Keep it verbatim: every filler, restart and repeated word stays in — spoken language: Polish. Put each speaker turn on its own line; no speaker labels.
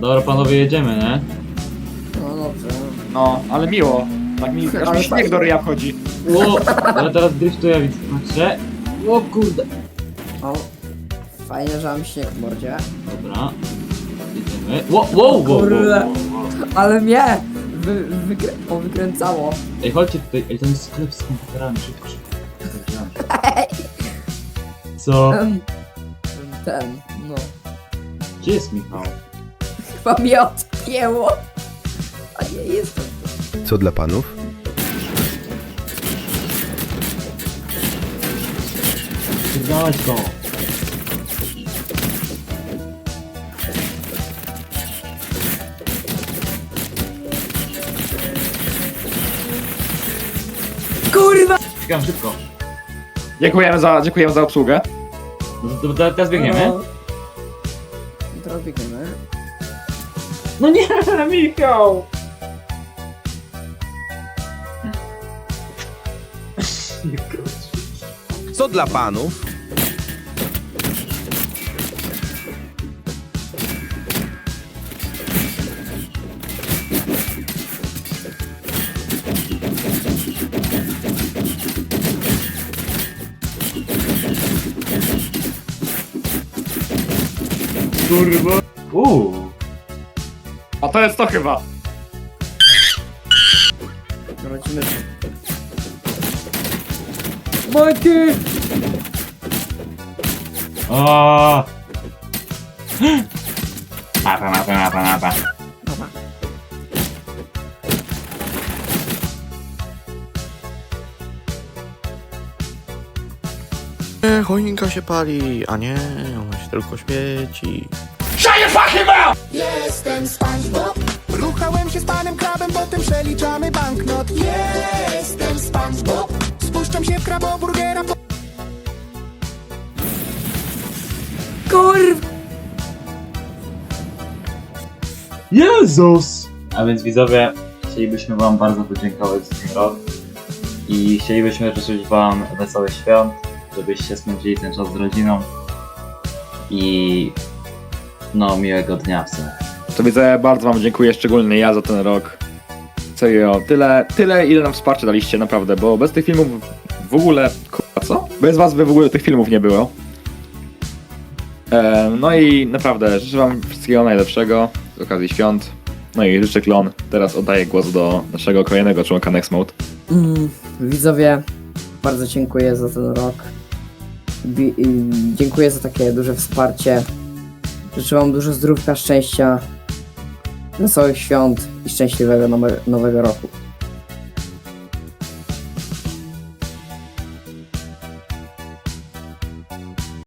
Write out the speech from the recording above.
Dobra panowie, jedziemy, nie?
No dobrze.
No, ale miło. Tak mi, aż
Ale
mi śmiech do ryja wchodzi.
Ło, ale teraz driftuję, widzę. Patrzcie. O kurde.
O, fajnie, że mam śnieg w mordzie.
Dobra. Jedziemy. Ło, wow, wow, wow,
Kurde.
wow, wow.
Ale mnie wy, wykrę o, wykręcało.
Ej, chodźcie tutaj. Ej, ten jest sklep z komputerami. Szybko, szybko. Co?
Em, Ten, no.
Gdzie jest Michał?
Chyba mnie odpięło. A nie, jestem tu.
Co dla panów?
Dawać go.
Kurwa!
Biegam szybko.
Dziękujemy za, dziękujemy za obsługę.
No to, to teraz biegniemy.
No. Teraz biegniemy.
No nie, Michał!
Co dla panów?
Kurwa. Uuu.
A to jest to chyba.
Lecimy. Majki!
O. Mapa, mapa, mapa, mapa.
Dobra.
Nie, choinka się pali, a nie, ona się tylko świeci.
Jestem SpongeBob. Ruchałem się z panem krabem, potem przeliczamy banknot. Jestem SpongeBob. Spuszczam się w kraboburgera. Po...
Kurwa!
Jezus! A więc widzowie, chcielibyśmy wam bardzo podziękować za ten rok i chcielibyśmy życzyć wam wesołych świąt, żebyście spędzili ten czas z rodziną i no miłego dnia w sumie.
To widzę, bardzo wam dziękuję, szczególnie ja za ten rok. Serio, tyle, tyle ile nam wsparcia daliście, naprawdę, bo bez tych filmów w ogóle, kurwa, co? Bez was by w ogóle tych filmów nie było. E, no i naprawdę, życzę wam wszystkiego najlepszego z okazji świąt. No i życzę klon. Teraz oddaję głos do naszego kolejnego członka Next Mode.
Mm, widzowie, bardzo dziękuję za ten rok. Bi i dziękuję za takie duże wsparcie. Życzę wam dużo zdrówka, szczęścia, wesołych świąt i szczęśliwego nowe nowego roku.